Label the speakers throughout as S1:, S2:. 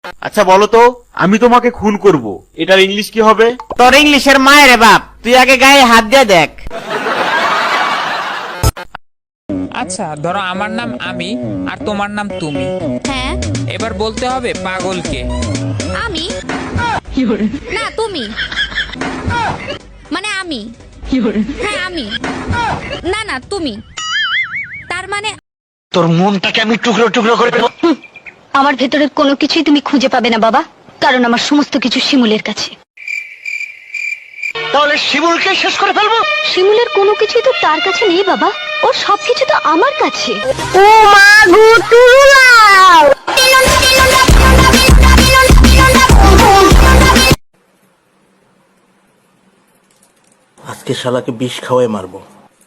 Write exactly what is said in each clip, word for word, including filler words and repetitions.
S1: আচ্ছা বলো তো, আমি তোমাকে খুন করব, এটার ইংলিশ কি হবে?
S2: তোর ইংলিশের মায়ের বাপ, তুই আগে গায়ে হাত দিয়ে দেখ।
S3: আচ্ছা ধরো আমার নাম আমি আর তোমার নাম তুমি।
S4: হ্যাঁ
S3: এবার বলতে হবে পাগলকে।
S4: আমি না তুমি, মানে আমি, হ্যাঁ আমি, না না তুমি, তার মানে
S5: তোর মনটাকে আমি টুকরো টুকরো করে দেব।
S6: আমার ভেতরের কোনো কিছুই তুমি খুঁজে পাবে না বাবা, কারণ আমার সমস্ত কিছু শিমুলের কাছে।
S5: তাহলে শিমুলকে শেষ করে ফেলবো।
S6: শিমুলের কোনো কিছুই তো তার কাছে নেই বাবা, ওর সবকিছু তো আমার কাছে। ও মা গো তুলাও।
S7: আজকে শালাকে বিষ খাওয়াই মারবো।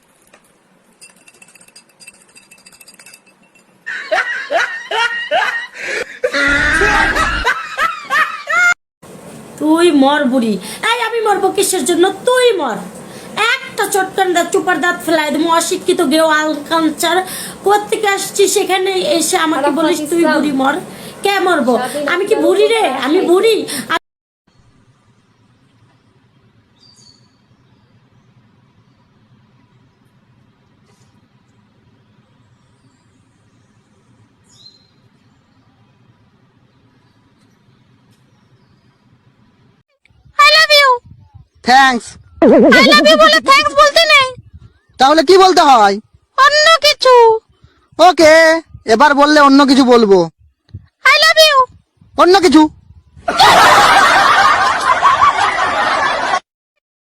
S8: তুই মর বুড়ি। এই আমি মরবো কিসের জন্য? তুই মর। একটা চটকান দাঁত চুপার দাঁত ফেলাই দেবো। অশিক্ষিত গেও আলকাঞ্চার কোত্থেকে আসছি, সেখানে এসে আমাকে বলিস তুই বুড়ি মর। কে মরবো? আমি কি বুড়ি রে? আমি বুড়ি?
S9: থ্যাঙ্কস।
S4: আই লাভ ইউ বলে থ্যাঙ্কস বলতে নেই,
S9: তাহলে কি বলতে হয়?
S4: অন্য কিছু।
S9: ওকে, এবার বললে অন্য কিছু বলবো।
S4: I love you.
S9: অন্য কিছু।